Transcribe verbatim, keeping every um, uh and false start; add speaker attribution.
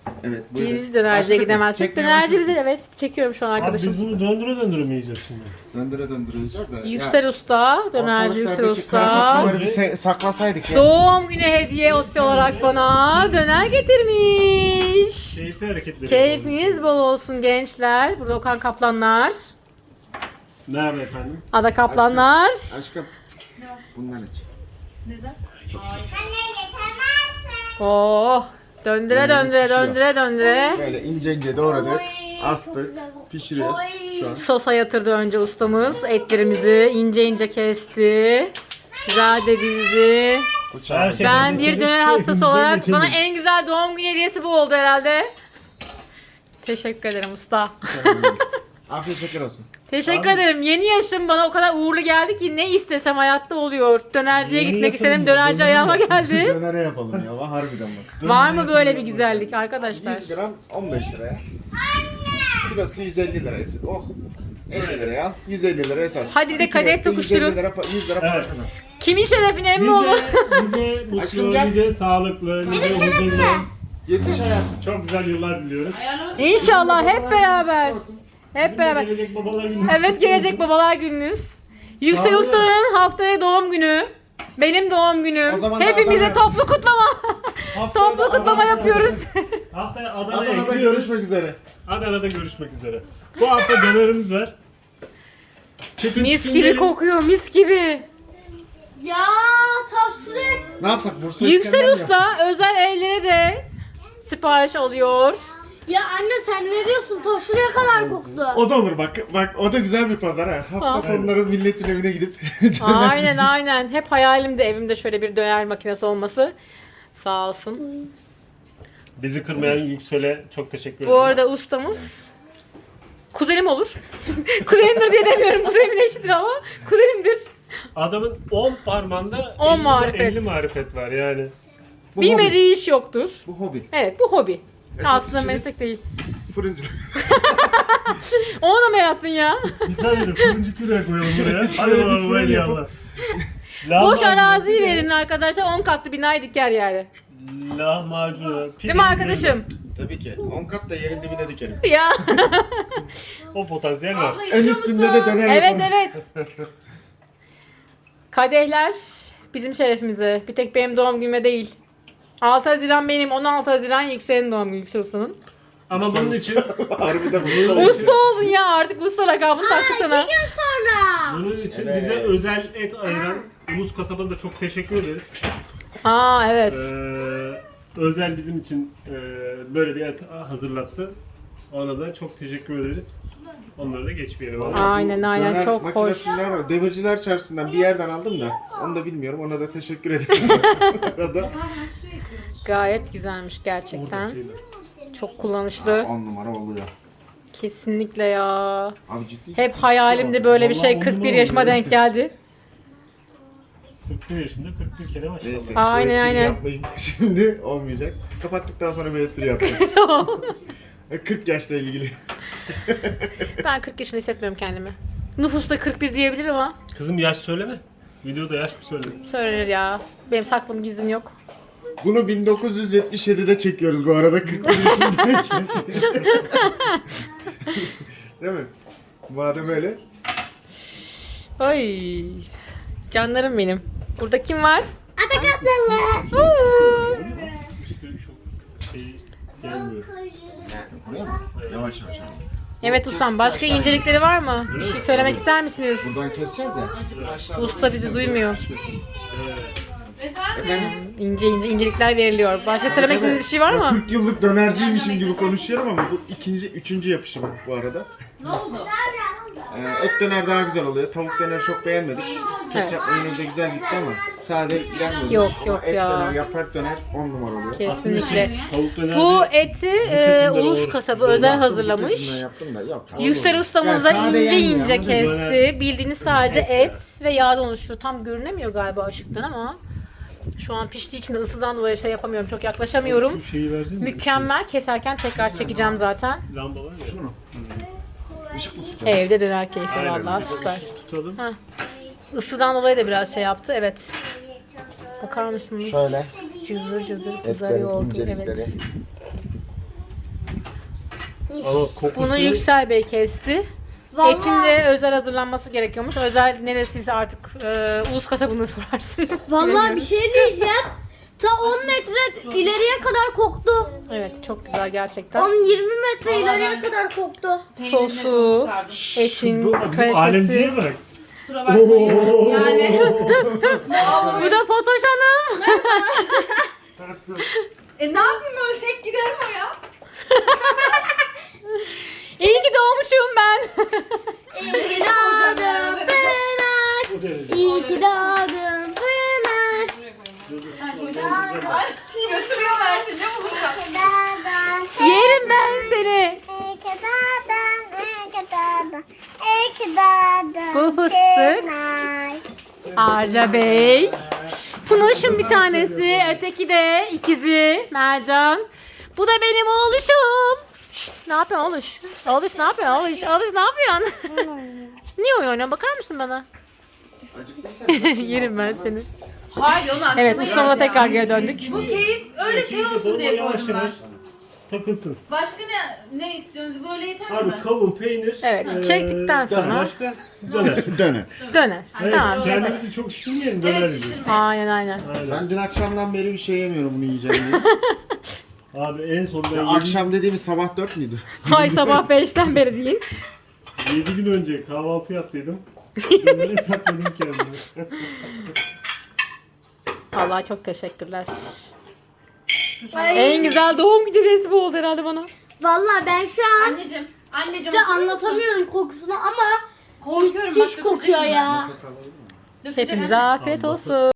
Speaker 1: Evet buyurun.
Speaker 2: Biz dönerciye
Speaker 1: Başladık mı?
Speaker 2: gidemezsek.
Speaker 1: Çekmeye
Speaker 2: Dönerci
Speaker 1: başladık.
Speaker 2: bize evet çekiyorum şu an
Speaker 3: Abi
Speaker 2: arkadaşım.
Speaker 3: biz bunu döndüre döndüre mi yiyeceğiz şimdi?
Speaker 1: Döndüre döndüreceğiz de.
Speaker 2: Yüksel Usta, dönerci Yüksel Usta.
Speaker 1: bir se- saklasaydık ya.
Speaker 2: Doğum günü hediye otisi olarak bana döner getirmiş.
Speaker 3: Keyifli hareketleri.
Speaker 2: Keyfiniz bol olsun gençler. Burada Okan Kaplanlar,
Speaker 3: Merhaba efendim.
Speaker 2: Ada Kaplanlar.
Speaker 1: Aşkım. Bundan iç.
Speaker 2: Oh, döndüre
Speaker 1: Dönerimiz
Speaker 2: döndüre
Speaker 1: pişiyor.
Speaker 2: döndüre döndüre.
Speaker 1: Böyle ince ince doğradık. Astık. Pişiriyoruz şu an.
Speaker 2: Sosa yatırdı önce ustamız. Etlerimizi ince ince kesti. Güzel de dizdi.
Speaker 3: Her şey
Speaker 2: Ben bir döner hastası olarak bana en güzel doğum günü hediyesi bu oldu herhalde. Teşekkür ederim usta.
Speaker 1: Afiyet şeker olsun.
Speaker 2: Teşekkür
Speaker 3: Abi-
Speaker 2: ederim. Yeni yaşım bana o kadar uğurlu geldi ki ne istesem hayatta oluyor. Dönerciye
Speaker 3: Yeni
Speaker 2: gitmek
Speaker 3: yatırım
Speaker 2: istedim.
Speaker 3: ya,
Speaker 2: Dönerci
Speaker 3: döner
Speaker 2: ayağıma
Speaker 3: yatırım.
Speaker 2: geldi.
Speaker 1: Dönere yapalım ya. Harbiden bak.
Speaker 2: Var mı böyle bir güzellik arkadaşlar?
Speaker 1: yüz gram on beş liraya. Kilosu yüz elli lira et. Oh. elli liraya al. yüz elli liraya sat.
Speaker 2: Hadi bir de
Speaker 1: İki
Speaker 2: kadeh
Speaker 1: renkte
Speaker 2: tokuşturun.
Speaker 1: yüz elli lira, pa- yüz lira para
Speaker 3: Evet.
Speaker 1: kazan.
Speaker 2: Kimin şerefine emmi oğlu?
Speaker 3: Nice, nice mutlu,
Speaker 1: Aşkım gel.
Speaker 3: nice sağlıklı, nice huzurlu.
Speaker 1: Yetiş hayatım.
Speaker 3: Çok güzel yıllar diliyoruz.
Speaker 2: İnşallah hep beraber.
Speaker 1: Olsun.
Speaker 2: Hep beraber.
Speaker 3: Gelecek babalar günü.
Speaker 2: Evet gelecek babalar gününüz. Yüksel
Speaker 3: Sağ olun.
Speaker 2: Usta'nın haftaya doğum günü. Benim doğum günüm.
Speaker 1: O zaman da
Speaker 2: Hepimize
Speaker 1: Adana-
Speaker 2: toplu kutlama.
Speaker 1: Haftaya
Speaker 2: Toplu
Speaker 1: da
Speaker 2: kutlama
Speaker 1: Adana'da-
Speaker 2: yapıyoruz.
Speaker 3: Haftaya Adana'ya
Speaker 1: Adana'da
Speaker 3: gidiyoruz.
Speaker 1: görüşmek üzere.
Speaker 3: Adana'da görüşmek üzere. Bu hafta dönerimiz var. Çıkın
Speaker 2: Mis
Speaker 3: çıkın
Speaker 2: gibi
Speaker 3: gelin.
Speaker 2: kokuyor, mis gibi.
Speaker 4: Ya taşrek.
Speaker 1: Ne yapsak Bursa
Speaker 2: Yüksel
Speaker 1: İskender mi
Speaker 2: Usta özel evlere de sipariş alıyor.
Speaker 4: Ya anne sen ne diyorsun? Ta şuraya kadar koktu.
Speaker 1: yapsak? O da olur bak. Bak o da güzel bir pazar ha. Hafta
Speaker 2: Aa.
Speaker 1: sonları milletin evine gidip
Speaker 2: Aynen aynen. Hep hayalimde evimde şöyle bir döner makinesi olması. Sağ olsun.
Speaker 3: Bizi kırmayan Yüksel'e çok teşekkür ederiz.
Speaker 2: Bu arada ustamız kuzenim olur. Kuzenimdir diye demiyorum. Kuzenimin eşidir ama kuzenimdir.
Speaker 3: Adamın on parmağında
Speaker 2: on
Speaker 3: elli-
Speaker 2: marifet.
Speaker 3: elli marifet var yani.
Speaker 1: Bu
Speaker 2: Bilmediği iş yoktur.
Speaker 1: hobi. Bu hobi.
Speaker 2: Evet bu hobi.
Speaker 1: Esas
Speaker 2: Aslında
Speaker 1: işimiz-
Speaker 2: meslek değil.
Speaker 1: Fırıncılık.
Speaker 2: Onu da mı yarattın ya?
Speaker 3: Bir tane de fırıncı küreği koyalım buraya. Hadi
Speaker 1: Şöyle bir
Speaker 3: bakalım
Speaker 1: fırın
Speaker 3: hadi
Speaker 1: yapıp-
Speaker 3: yallah.
Speaker 2: Boş
Speaker 3: Lahmacun-
Speaker 2: araziyi verin arkadaşlar. on katlı binayı diker yani.
Speaker 3: Lahmacun.
Speaker 2: Değil mi arkadaşım?
Speaker 1: Tabii ki. on kat da yerin dibine dikelim.
Speaker 2: Ya.
Speaker 3: O potansiyel var.
Speaker 1: En üstünde de döner
Speaker 2: Evet
Speaker 1: yapalım.
Speaker 2: evet. Kadehler bizim şerefimize. Bir tek benim doğum günüme değil. altı Haziran benim, on altı Haziran Yüksel'in doğum günü, Yüksel Usta'nın.
Speaker 3: Ama bunun için
Speaker 1: Harbiden usta.
Speaker 2: Usta oldun ya artık usta lakabını taktı sana.
Speaker 4: Sonra.
Speaker 3: bunun için
Speaker 1: Evet.
Speaker 3: bize özel et ayıran Ulus Kasabı'na da çok teşekkür ederiz.
Speaker 2: Aa evet.
Speaker 3: Ee, özel bizim için e, böyle bir et hazırlattı. Ona da çok teşekkür ederiz. Onları da geçmeyelim. abi.
Speaker 2: Aynen aynen
Speaker 1: Döner
Speaker 2: çok hoş.
Speaker 1: makinesinden var. Demirciler Çarşısı'ndan bir yerden aldım da. Onu da bilmiyorum. Ona da teşekkür ederim. Arada.
Speaker 2: Gayet güzelmiş gerçekten.
Speaker 3: Orada şeyler.
Speaker 2: Çok kullanışlı.
Speaker 1: on numara oluyor.
Speaker 2: Kesinlikle ya.
Speaker 1: Abi ciddi.
Speaker 2: Hep hayalimde böyle bir şey
Speaker 3: Vallahi
Speaker 2: kırk bir
Speaker 3: onunla
Speaker 2: yaşıma
Speaker 3: oluyor.
Speaker 2: denk geldi.
Speaker 3: kırk bir yaşında kırk bir kere maşallah.
Speaker 1: Neyse.
Speaker 2: Aynen,
Speaker 1: bu espriyi
Speaker 2: aynen.
Speaker 1: Yapmayın. Şimdi olmayacak. Kapattıktan sonra bir espri yapacağız. kırk yaşla ilgili.
Speaker 2: Ben kırk yaşında hissetmiyorum kendimi. Nüfusta kırk bir diyebilir ama
Speaker 3: Kızım yaş söyleme. Videoda yaş mı söyle?
Speaker 2: söylenir ya. Benim saklım gizlim yok.
Speaker 1: Bunu bin dokuz yüz yetmiş yedide çekiyoruz bu arada. kırk bir yaşındayken. Değil mi? Madem öyle.
Speaker 2: Ay. Canlarım benim. Burada kim var?
Speaker 4: Ada kaplanlar.
Speaker 2: Uuu.
Speaker 3: İşte çok şey gelmiyor.
Speaker 1: Yavaş yavaş.
Speaker 2: Evet ustam başka incelikleri var mı? Bir şey söylemek ister misiniz?
Speaker 1: Buradan keseceğiz ya. Aşağıda
Speaker 2: Usta bizi duymuyor.
Speaker 1: Efendim?
Speaker 2: İnce ince incelikler veriliyor. Başka söylemek istediğiniz bir şey var mı?
Speaker 1: kırk yıllık dönerciymişim gibi konuşuyorum ama bu ikinci, üçüncü yapışım bu arada.
Speaker 2: Ne oldu?
Speaker 1: Ee, et döner daha güzel oluyor. Tavuk döneri çok beğenmedik. Ketçap mayonez de güzel gitti ama sade gelmedi.
Speaker 2: Yok,
Speaker 1: Ama
Speaker 2: yok
Speaker 1: et
Speaker 2: ya.
Speaker 1: döner, yaprak döner on numara oluyor.
Speaker 2: Kesinlikle.
Speaker 3: Tavuk döner.
Speaker 2: Bu eti e, Ulus Kasabı özel
Speaker 1: Yaptım,
Speaker 2: hazırlamış.
Speaker 1: kötücüğünden yaptım da yok.
Speaker 2: Yüksel ustamız da
Speaker 1: Yani sade
Speaker 2: ince
Speaker 1: yenmiyor,
Speaker 2: ince
Speaker 1: anladın mı?
Speaker 2: kesti. Bildiğiniz sadece et ve yağdan oluşuyor. Tam görünemiyor galiba ışıktan ama şu an piştiği için de ısıdan dolayı şey yapamıyorum. Çok yaklaşamıyorum.
Speaker 3: Şu şeyi versene.
Speaker 2: Mükemmel. Keserken tekrar çekeceğim zaten.
Speaker 3: Lamba var ya.
Speaker 1: Şunu. Işık mı tutacağım?
Speaker 2: Evde döner keyfi
Speaker 3: Aynen,
Speaker 2: vallahi
Speaker 3: bir de
Speaker 2: süper.
Speaker 3: ışık tutalım.
Speaker 2: Ha. Isıdan dolayı da biraz şey yaptı. Evet. Bakar mısınız?
Speaker 1: Şöyle.
Speaker 2: Cızır cızır
Speaker 1: Etlerin
Speaker 2: kızarıyor oldu.
Speaker 1: incelikleri.
Speaker 2: Evet.
Speaker 3: Ama kokusu
Speaker 2: Bunu Yüksel Bey kesti.
Speaker 4: Vallahi-
Speaker 2: Etin de özel hazırlanması gerekiyormuş. Özel neresiyse artık e, ulus kasabını sorarsın.
Speaker 4: Vallahi bir şey diyeceğim. Ta on metre ileriye kadar koktu.
Speaker 2: Evet çok güzel gerçekten.
Speaker 4: on yirmi metre ileriye kadar koktu.
Speaker 2: Sosu, etin
Speaker 3: bu bizim
Speaker 2: kalitesi.
Speaker 3: alemciye bırak.
Speaker 5: Kusura bakmayın. Yani
Speaker 2: Bu da Fotoş Hanım.
Speaker 5: e, ne yapayım ölsek gider mi o ya?
Speaker 2: İyi ki doğmuşum ben.
Speaker 4: İyi ki doğdun Pınar.
Speaker 3: Bu derece.
Speaker 4: İyi ki doğdun Pınar.
Speaker 5: Ay, götürüyorlar şimdi bulurlar.
Speaker 2: Yerim ben seni. Bu fıstık. Arca Bey. Funoş'un bir tanesi. Öteki de ikizi. Mercan. Bu da benim oğluşum. Şşt, ne yapıyorsun oğluş? Oğluş ne yapıyorsun? Oğluş, oğluş ne yapıyorsun? Niye oyun oynuyorsun? Bakar mısın bana? Yerim ben seni.
Speaker 5: Hayır onu akşama
Speaker 2: Evet ustamla
Speaker 5: yeriz
Speaker 2: tekrar
Speaker 5: ya.
Speaker 2: geri döndük.
Speaker 5: Bu keyif öyle şey olsun diye
Speaker 3: Yavaş
Speaker 5: koydum ben.
Speaker 3: yavaş takılsın.
Speaker 5: Başka ne ne istiyorsunuz? Böyle yeter mi?
Speaker 3: Abi kavun, peynir.
Speaker 2: Evet,
Speaker 3: eee,
Speaker 2: çektikten sonra
Speaker 3: Başka döner.
Speaker 1: Döner.
Speaker 2: döner.
Speaker 3: Evet,
Speaker 2: Tamam.
Speaker 3: kendimizi çok şişirmeyelim döner
Speaker 5: Evet
Speaker 3: gibi.
Speaker 5: şişirme.
Speaker 2: Aynen aynen.
Speaker 3: Aynen.
Speaker 1: Ben dün akşamdan beri bir şey yemiyorum bunu yiyeceğim diye.
Speaker 3: Abi en son ben
Speaker 1: Ya
Speaker 3: yedi,
Speaker 1: akşam dediğimiz sabah dört müydü?
Speaker 2: Hay sabah beşten beri değil.
Speaker 3: yedi gün önce kahvaltı yaptıydım. Dönere sakladım kendimi.
Speaker 2: Allah çok teşekkürler. En güzel doğum günü resmi oldu herhalde bana.
Speaker 4: Vallahi ben şu an
Speaker 5: Anneciğim. Anneciğim.
Speaker 4: size anlatamıyorum kokusunu ama
Speaker 5: Korkuyorum.
Speaker 4: müthiş kokuyor ya.
Speaker 5: Dökecek
Speaker 2: Hepinize afiyet olsun.